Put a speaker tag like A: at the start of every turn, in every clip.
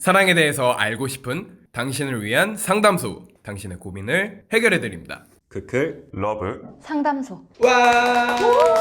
A: 사랑에 대해서 알고 싶은 당신을 위한 상담소. 당신의 고민을 해결해드립니다.
B: 크클
C: 러브
D: 상담소.
A: 와!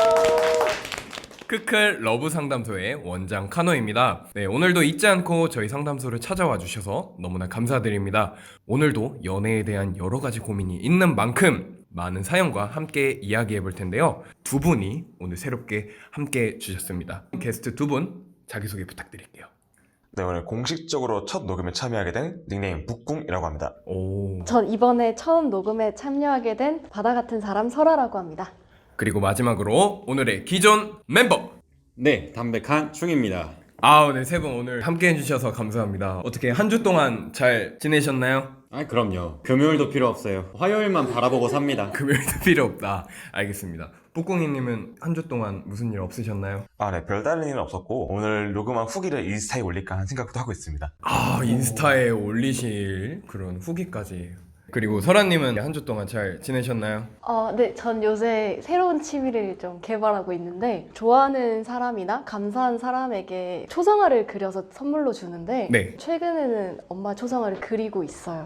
A: 크클 러브 상담소의 원장 카노입니다. 네, 오늘도 잊지 않고 저희 상담소를 찾아와 주셔서 너무나 감사드립니다. 오늘도 연애에 대한 여러 가지 고민이 있는 만큼 많은 사연과 함께 이야기해 볼 텐데요. 두 분이 오늘 새롭게 함께 주셨습니다. 게스트 두 분 자기소개 부탁드릴게요.
C: 네, 오늘 공식적으로 첫 녹음에 참여하게 된 닉네임 북궁이라고 합니다.
A: 오.
D: 전 이번에 처음 녹음에 참여하게 된 바다 같은 사람 설아라고 합니다.
A: 그리고 마지막으로 오늘의 기존 멤버.
B: 네, 담백한 충입니다.
A: 네, 세 분 오늘 함께 해주셔서 감사합니다. 어떻게 한 주 동안 잘 지내셨나요?
B: 그럼요. 금요일도 필요 없어요. 화요일만 바라보고 삽니다.
A: 금요일도 필요 없다. 알겠습니다. 뿌꿍이님은 한 주 동안 무슨 일 없으셨나요?
C: 네, 별다른 일은 없었고 오늘 녹음한 후기를 인스타에 올릴까 하는 생각도 하고 있습니다.
A: 인스타에 올리실 그런 후기까지. 그리고 설아님은 한 주 동안 잘 지내셨나요?
D: 네, 전 요새 새로운 취미를 좀 개발하고 있는데 좋아하는 사람이나 감사한 사람에게 초상화를 그려서 선물로 주는데
A: 네.
D: 최근에는 엄마 초상화를 그리고 있어요.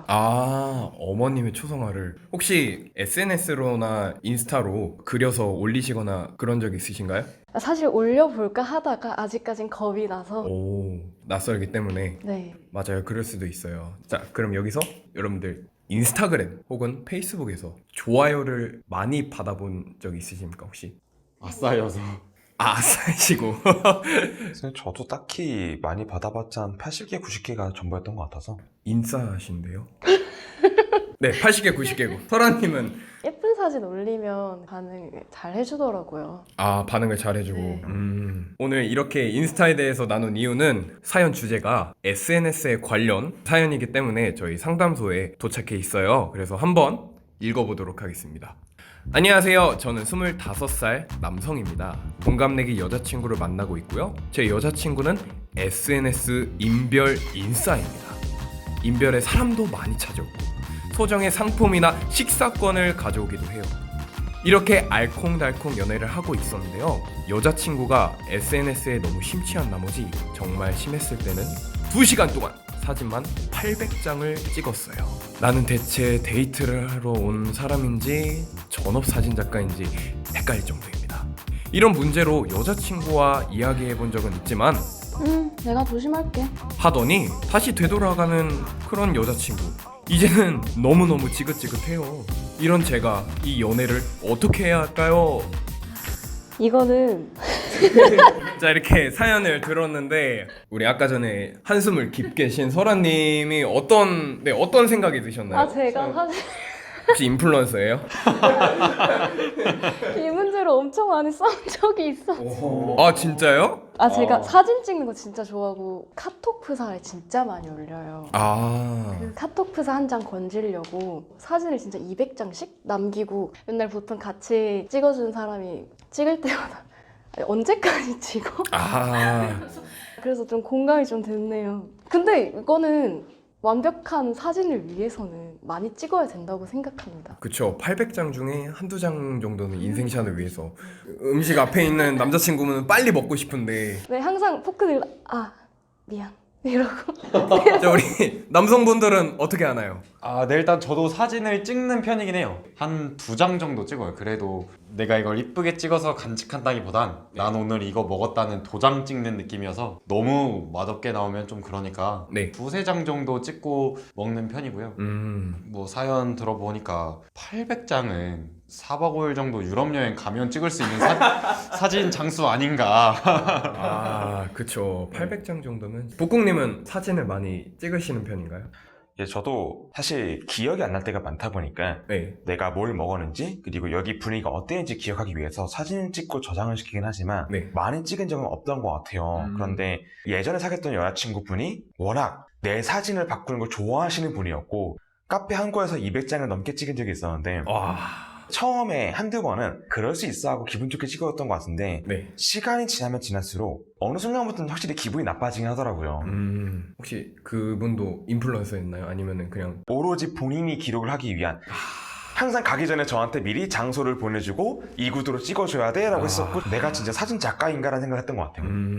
A: 어머님의 초성화를 혹시 SNS로나 인스타로 그려서 올리시거나 그런 적 있으신가요?
D: 사실 올려볼까 하다가 아직까진 겁이 나서
A: 낯설기 때문에.
D: 네.
A: 맞아요. 그럴 수도 있어요. 자, 그럼 여기서 여러분들 인스타그램 혹은 페이스북에서 좋아요를 많이 받아본 적 있으십니까 혹시?
B: 아싸여서.
A: 아싸시고.
C: 사실 저도 딱히 많이 받아봤자 한 80개, 90개가 전부였던 것 같아서.
A: 인싸신데요? 네, 80개, 90개고. 설아님은
D: 예쁜 사진 올리면 반응 잘 해주더라고요.
A: 반응을 잘 해주고.
D: 네.
A: 오늘 이렇게 인스타에 대해서 나눈 이유는 사연 주제가 SNS에 관련 사연이기 때문에 저희 상담소에 도착해 있어요. 그래서 한번 읽어보도록 하겠습니다. 안녕하세요. 저는 25살 남성입니다. 동갑내기 여자친구를 만나고 있고요. 제 여자친구는 SNS 인별 인싸입니다. 인별에 사람도 많이 찾아오고 소정의 상품이나 식사권을 가져오기도 해요. 이렇게 알콩달콩 연애를 하고 있었는데요. 여자친구가 SNS에 너무 심취한 나머지 정말 심했을 때는 2시간 동안 사진만 800장을 찍었어요. 나는 대체 데이트를 하러 온 사람인지 전업 사진작가인지 헷갈릴 정도입니다. 이런 문제로 여자친구와 이야기해본 적은 있지만
D: 내가 조심할게.
A: 하더니 다시 되돌아가는 그런 여자친구. 이제는 너무너무 지긋지긋해요. 이런 제가 이 연애를 어떻게 해야 할까요?
D: 이거는
A: 자, 이렇게 사연을 들었는데 우리 아까 전에 한숨을 깊게 쉰 설아님이 어떤 생각이 드셨나요?
D: 제가 사실
A: 혹시 인플루언서예요?
D: 이 문제로 엄청 많이 싸운 적이 있어.
A: 진짜요?
D: 제가 사진 찍는 거 진짜 좋아하고 카톡 프사에 진짜 많이 올려요. 그 카톡 프사 한 장 건지려고 사진을 진짜 200장씩 남기고 맨날 보통 같이 찍어준 사람이 찍을 때마다 언제까지 찍어? 그래서 좀 공감이 좀 됐네요. 근데 이거는 완벽한 사진을 위해서는 많이 찍어야 된다고 생각합니다.
A: 그쵸. 800장 중에 한두 장 정도는 인생샷을 위해서. 음식 앞에 있는 남자친구는 빨리 먹고 싶은데.
D: 네, 항상 포크 들고 미안 이러고.
A: 자, 우리 남성분들은 어떻게 하나요?
B: 네, 일단 저도 사진을 찍는 편이긴 해요. 한 2장 정도 찍어요. 그래도 내가 이걸 이쁘게 찍어서 간직한다기보단 난 오늘 이거 먹었다는 도장 찍는 느낌이어서 너무 맛없게 나오면 좀 그러니까
A: 네.
B: 2-3장 정도 찍고 먹는 편이고요. 뭐 사연 들어보니까 800장은 4박 5일 정도 유럽 여행 가면 찍을 수 있는 사진 장수 아닌가.
A: 그쵸. 800장 정도면. 북궁님은 사진을 많이 찍으시는 편인가요?
C: 저도 사실 기억이 안 날 때가 많다 보니까
A: 네.
C: 내가 뭘 먹었는지 그리고 여기 분위기가 어땠는지 기억하기 위해서 사진을 찍고 저장을 시키긴 하지만
A: 네.
C: 많이 찍은 적은 없던 것 같아요. 그런데 예전에 사귀었던 여자친구분이 워낙 내 사진을 바꾸는 걸 좋아하시는 분이었고 카페 한 곳에서 200장을 넘게 찍은 적이 있었는데 처음에 한두 번은 그럴 수 있어 하고 기분 좋게 찍었던 것 같은데
A: 네.
C: 시간이 지나면 지날수록 어느 순간부터는 확실히 기분이 나빠지긴 하더라고요.
A: 혹시 그분도 인플루언서였나요? 아니면은 그냥
C: 오로지 본인이 기록을 하기 위한 항상 가기 전에 저한테 미리 장소를 보내주고 이 구도로 찍어줘야 돼 라고 했었고 내가 진짜 사진 작가인가 라는 생각을 했던 것 같아요.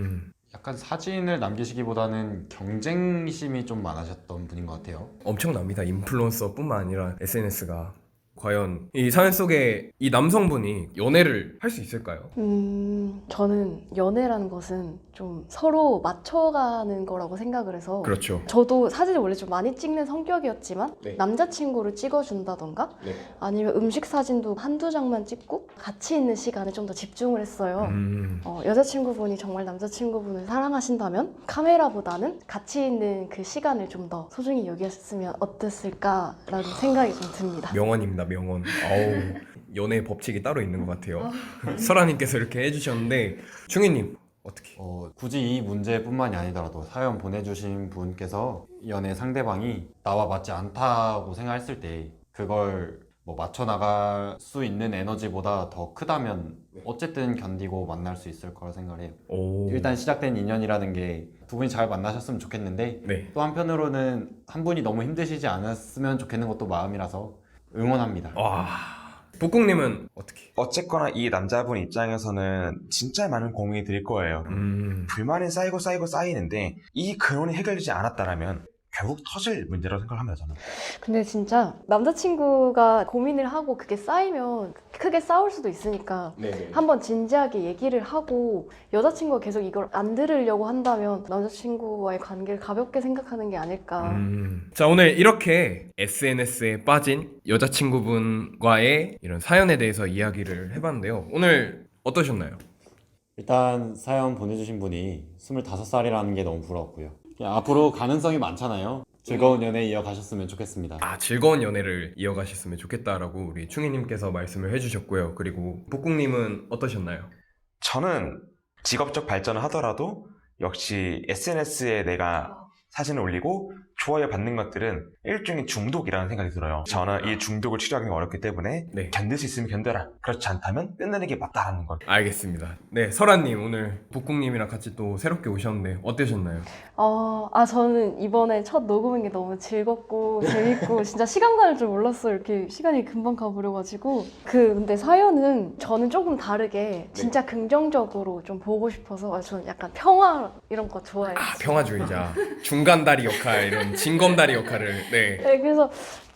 B: 약간 사진을 남기시기보다는 경쟁심이 좀 많으셨던 분인 것 같아요.
A: 엄청납니다. 인플루언서뿐만 아니라 SNS가. 과연 이 사연 속에 이 남성분이 연애를 할 수 있을까요?
D: 저는 연애라는 것은 좀 서로 맞춰가는 거라고 생각을 해서
A: 그렇죠.
D: 저도 사진을 원래 좀 많이 찍는 성격이었지만
A: 네.
D: 남자친구를 찍어준다던가
A: 네.
D: 아니면 음식 사진도 한두 장만 찍고 같이 있는 시간에 좀 더 집중을 했어요. 여자친구분이 정말 남자친구분을 사랑하신다면 카메라보다는 같이 있는 그 시간을 좀 더 소중히 여겼으면 어땠을까라는 생각이 좀 듭니다.
A: 명언입니다, 명언. 아우, 연애 법칙이 따로 있는 것 같아요. 설아님께서 이렇게 해주셨는데, 충희님, 어떻게?
B: 굳이 이 문제뿐만이 아니더라도 사연 보내주신 분께서 연애 상대방이 나와 맞지 않다고 생각했을 때 그걸 뭐 맞춰 나갈 수 있는 에너지보다 더 크다면 어쨌든 견디고 만날 수 있을 거라 생각을 해요.
A: 오.
B: 일단 시작된 인연이라는 게 두 분이 잘 만나셨으면 좋겠는데
A: 네.
B: 또 한편으로는 한 분이 너무 힘드시지 않았으면 좋겠는 것도 마음이라서 응원합니다.
A: 와. 북궁님은 어떻게?
C: 어쨌거나 이 남자분 입장에서는 진짜 많은 고민이 들 거예요. 불만이 쌓이고 쌓이는데 이 근원이 해결되지 않았다라면 결국 터질 문제라고 생각합니다, 저는.
D: 근데 진짜 남자친구가 고민을 하고 그게 쌓이면 크게 싸울 수도 있으니까
A: 네.
D: 한번 진지하게 얘기를 하고 여자친구가 계속 이걸 안 들으려고 한다면 남자친구와의 관계를 가볍게 생각하는 게 아닐까.
A: 자, 오늘 이렇게 SNS에 빠진 여자친구분과의 이런 사연에 대해서 이야기를 해봤는데요. 오늘 어떠셨나요?
B: 일단 사연 보내주신 분이 25살이라는 게 너무 부러웠고요. 앞으로 가능성이 많잖아요. 즐거운 연애 이어가셨으면 좋겠습니다.
A: 즐거운 연애를 이어가셨으면 좋겠다라고 우리 충희님께서 말씀을 해주셨고요. 그리고 북궁님은 어떠셨나요?
C: 저는 직업적 발전을 하더라도 역시 SNS에 내가 사진을 올리고 좋아요 받는 것들은 일종의 중독이라는 생각이 들어요. 저는 이 중독을 치료하기 어렵기 때문에
A: 네. 끊을
C: 수 있으면 견뎌라. 그렇지 않다면 끝내는 게 맞다라는 걸.
A: 알겠습니다. 네, 설아님 오늘 북궁님이랑 같이 또 새롭게 오셨는데 어떠셨나요?
D: 저는 이번에 첫 녹음인 게 너무 즐겁고 재밌고 진짜 시간 가는 줄 몰랐어요. 이렇게 시간이 금방 가버려가지고 근데 사연은 저는 조금 다르게 진짜 긍정적으로 좀 보고 싶어서 저는 약간 평화 이런 거 좋아해요.
A: 평화주의자, 중간다리 역할, 이런 진검다리 역할을. 네.
D: 네, 그래서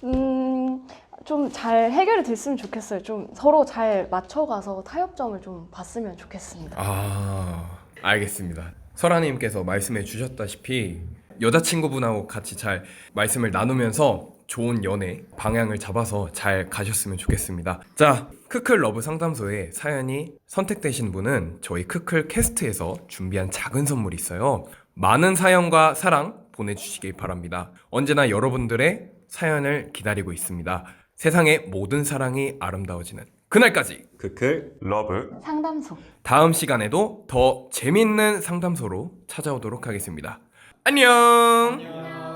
D: 좀 잘 해결이 됐으면 좋겠어요. 좀 서로 잘 맞춰가서 타협점을 좀 봤으면 좋겠습니다.
A: 알겠습니다. 설아님께서 말씀해 주셨다시피 여자친구분하고 같이 잘 말씀을 나누면서 좋은 연애 방향을 잡아서 잘 가셨으면 좋겠습니다. 자, 크클 러브 상담소에 사연이 선택되신 분은 저희 크클 캐스트에서 준비한 작은 선물이 있어요. 많은 사연과 사랑 보내주시길 바랍니다. 언제나 여러분들의 사연을 기다리고 있습니다. 세상의 모든 사랑이 아름다워지는 그날까지
B: 크클
C: 러브
D: 상담소.
A: 다음 시간에도 더 재밌는 상담소로 찾아오도록 하겠습니다. 안녕.